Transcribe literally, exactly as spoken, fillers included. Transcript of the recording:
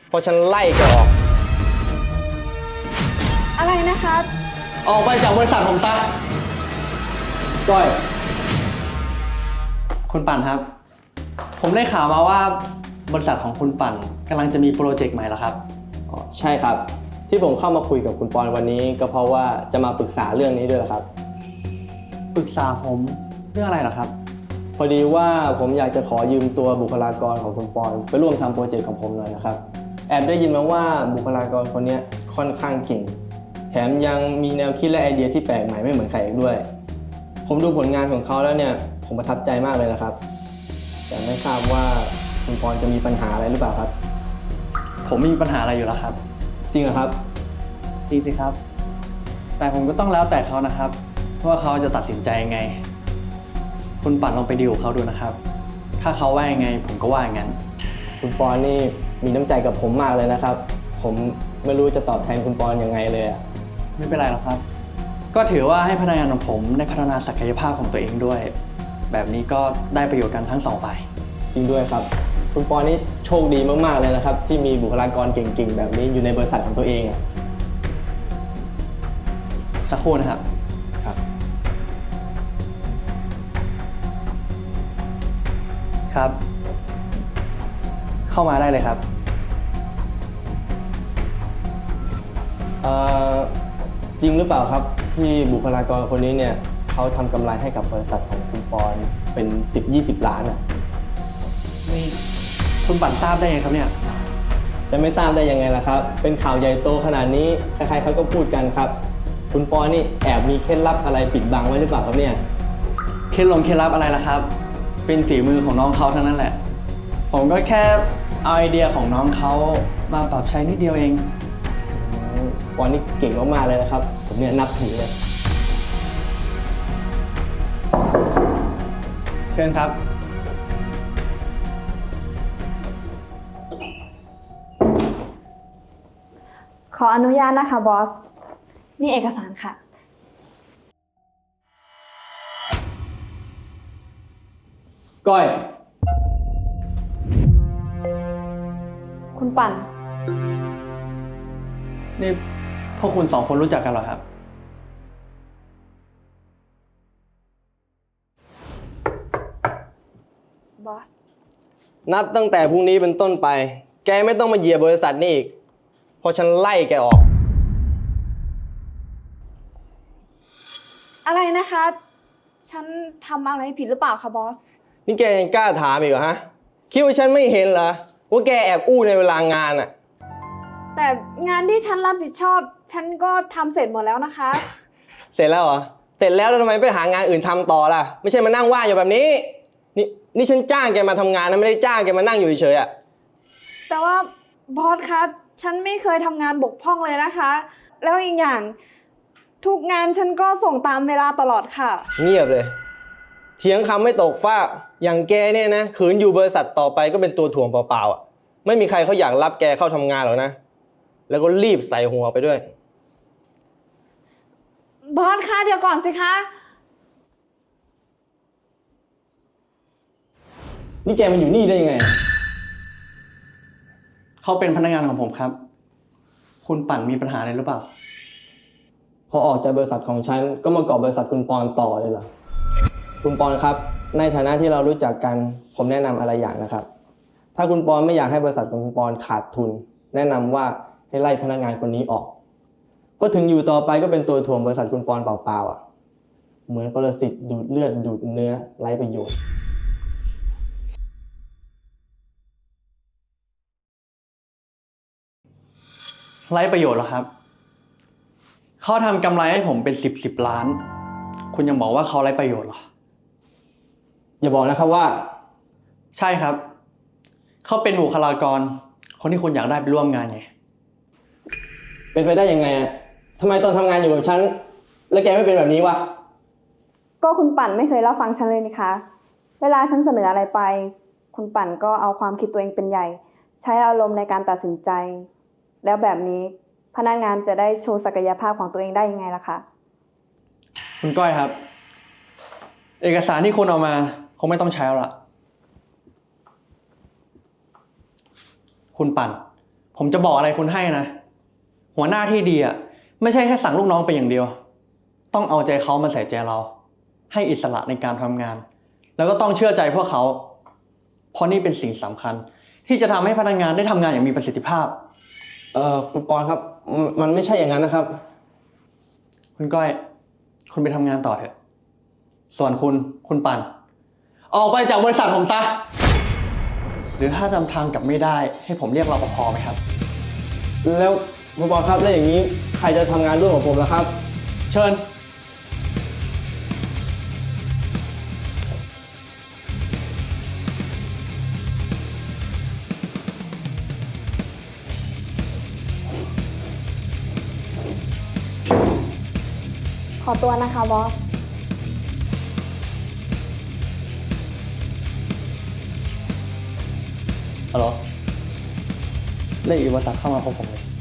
เพราะฉันไล่แกออกอะไรนะคะออกไปจากบริษัทผมซะก้อยคุณปั่นครับผมได้ข่าวมาว่าบริษัทของคุณปั่นกำลังจะมีโปรเจกต์ใหม่แล้วครับอ๋อใช่ครับที่ผมเข้ามาคุยกับคุณปอนวันนี้ก็เพราะว่าจะมาปรึกษาเรื่องนี้ด้วยครับปรึกษาผมเรื่องอะไรเหรอครับพอดีว่าผมอยากจะขอยืมตัวบุคลากรของคุณปอนไปร่วมทำโปรเจกต์ของผมหน่อยนะครับแอบได้ยินมาว่าบุคลากรคนนี้ค่อนข้างเก่งแถมยังมีแนวคิดและไอเดียที่แปลกใหม่ไม่เหมือนใครอีกด้วยผมดูผลงานของเขาแล้วเนี่ยผมประทับใจมากเลยนะครับแต่ไม่ทราบว่าคุณปอนจะมีปัญหาอะไรหรือเปล่าครับผมมีปัญหาอะไรอยู่แล้วครับจริงเหรอครับจริงสิครับแต่ผมก็ต้องแล้วแต่เขานะครับว่าเขาจะตัดสินใจยังไงคุณปั่นลองไปดีลกับเขาดูนะครับถ้าเขาว่ายังไงผมก็ว่าอย่างนั้นคุณปอนนี่มีน้ำใจกับผมมากเลยนะครับผมไม่รู้จะตอบแทนคุณปอนยังไงเลยอะไม่เป็นไรหรอกครับก็ถือว่าให้พนักงานของผมได้พัฒนาศักยภาพของตัวเองด้วยแบบนี้ก็ได้ประโยชน์กันทั้งสองฝ่ายจริงด้วยครับคุณปอนนี่โชคดีมากๆเลยนะครับที่มีบุคลากรเก่งๆแบบนี้อยู่ในบริษัทของตัวเองอะสักครู่นะครับครับครับ เข้ามาได้เลยครับเอ่อจริงหรือเปล่าครับที่บุคลากรคนนี้เนี่ยเขาทำกำไรให้กับบริษัทของคุณปอนเป็น สิบยี่สิบ ล้านอ่ะนี่คุณปั่นทราบได้ไงครับเนี่ยจะไม่ทราบได้ยังไงล่ะครับเป็นข่าวใหญ่โตขนาดนี้ใครๆเขาก็พูดกันครับคุณปอนนี่แอบมีเคล็ดลับอะไรปิดบังไว้หรือเปล่าครับเนี่ยเคล็ดลงเคล็ดลับอะไรล่ะครับเป็นฝีมือของน้องเขาเท่านั้นแหละผมก็แค่เอาไอเดียของน้องเขามาปรับใช้นิดเดียวเองปอนนี่เก่งมากๆเลยนะครับผมเนี่ยนับถือเลยเชิญครับขออนุญาตนะคะบอสนี่เอกสารค่ะก้อยคุณปั่นนี่พวกคุณสองคนรู้จักกันเหรอครับบอสนับตั้งแต่พรุ่งนี้เป็นต้นไปแกไม่ต้องมาเหยียบบริษัทนี้อีกเพราะฉันไล่แกออกอะไรนะคะฉันทำอะไรผิดหรือเปล่าคะบอสนี่แกยังกล้าถามอีกเหรอฮะคิดว่าฉันไม่เห็นเหรอว่าแกแอบอู้ในเวลางานอะแต่งานที่ฉันรับผิดชอบฉันก็ทำเสร็จหมดแล้วนะคะเสร็จแล้วเหรอเสร็จแล้วแล้วทำไมไปหางานอื่นทำต่อล่ะไม่ใช่มานั่งว่างอยู่แบบนี้นี่นี่ฉันจ้างแกมาทำงานนะไม่ได้จ้างแกมานั่งอยู่เฉยๆอะแต่ว่าบอสคะฉันไม่เคยทำงานบกพร่องเลยนะคะแล้วอีกอย่างทุกงานฉันก็ส่งตามเวลาตลอดค่ะเงียบเลยเถียงคำไม่ตกฟากอย่างแกเนี่ยนะขืนอยู่บริษัทต่อไปก็เป็นตัวถ่วงเปล่าๆอ่ะไม่มีใครเขาอยากรับแกเข้าทำงานหรอกนะแล้วก็รีบใส่หัวไปด้วยบอสคะเดี๋ยวก่อนสิคะนี่แกมันอยู่นี่ได้ยังไงเขาเป็นพนักงานของผมครับคุณปั่นมีปัญหาอะไรหรือเปล่าพอออกจากบริษัทของฉันก็มาเกาะบริษัทคุณปอนต่อเลยเหรอคุณปอนครับในฐานะที่เรารู้จักกันผมแนะนำอะไรอย่างนะครับถ้าคุณปอนไม่อยากให้บริษัทของคุณปอนขาดทุนแนะนำว่าให้ไล่พนักงานคนนี้ออกเพราะถึงอยู่ต่อไปก็เป็นตัวถ่วงบริษัทคุณปอนเปล่าๆอ่ะเหมือนปรสิตดูดเลือดดูดเนื้อไร้ประโยชน์ไร้ประโยชน์เหรอครับเขาทำกำไรให้ผมเป็นสิบสิบล้านคุณยังบอกว่าเขาไร้ประโยชน์เหรออย่าบอกนะครับว่าใช่ครับเขาเป็นบุคลากรคนที่คุณอยากได้ไปร่วมงานไงเป็นไปได้ยังไงอ่ะทำไมตอนทำงานอยู่กับฉันแล้วแกไม่เป็นแบบนี้วะก็คุณปั่นไม่เคยรับฟังฉันเลยนี่คะเวลาฉันเสนออะไรไปคุณปั่นก็เอาความคิดตัวเองเป็นใหญ่ใช้อารมณ์ในการตัดสินใจแล้วแบบนี้พนักงานจะได้โชว์ศักยภาพของตัวเองได้ยังไงล่ะคะคุณก้อยครับเอกสารที่คุณเอามาคงไม่ต้องใช้แล้วล่ะคุณปั่นผผมจะบอกอะไรคุณให้นะ หัวหน้าที่ดีอ่ะไม่ใช่แค่สั่งลูกน้องไปอย่างเดียว ต้องเอาใจเขามาใส่ใจเรา ให้อิสระในการทำงาน แล้วก็ต้องเชื่อใจพวกเขา เพราะนี่เป็นสิ่งสำคัญ ที่จะทำให้พนักงานได้ทำงานอย่างมีประสิทธิภาพเอ่อคุณปอนครับมมันไม่ใช่อย่างนั้นนะครับคุณก้อย คุณไปทำงานต่อเถอะ ส่วนคุณคุณปันออกไปจากบริษัทผมซะ หรือถ้าจำทางกลับไม่ได้ให้ผมเรียกรปภไหมครับแล้วคุณปอนครับแล้วอย่างนี้ใครจะทำงานร่วมกับผมล่ะครับเชิญขอตัวนะคะบอสฮัลโหลเรียกอีกบริษัทเข้ามาพบผมเลย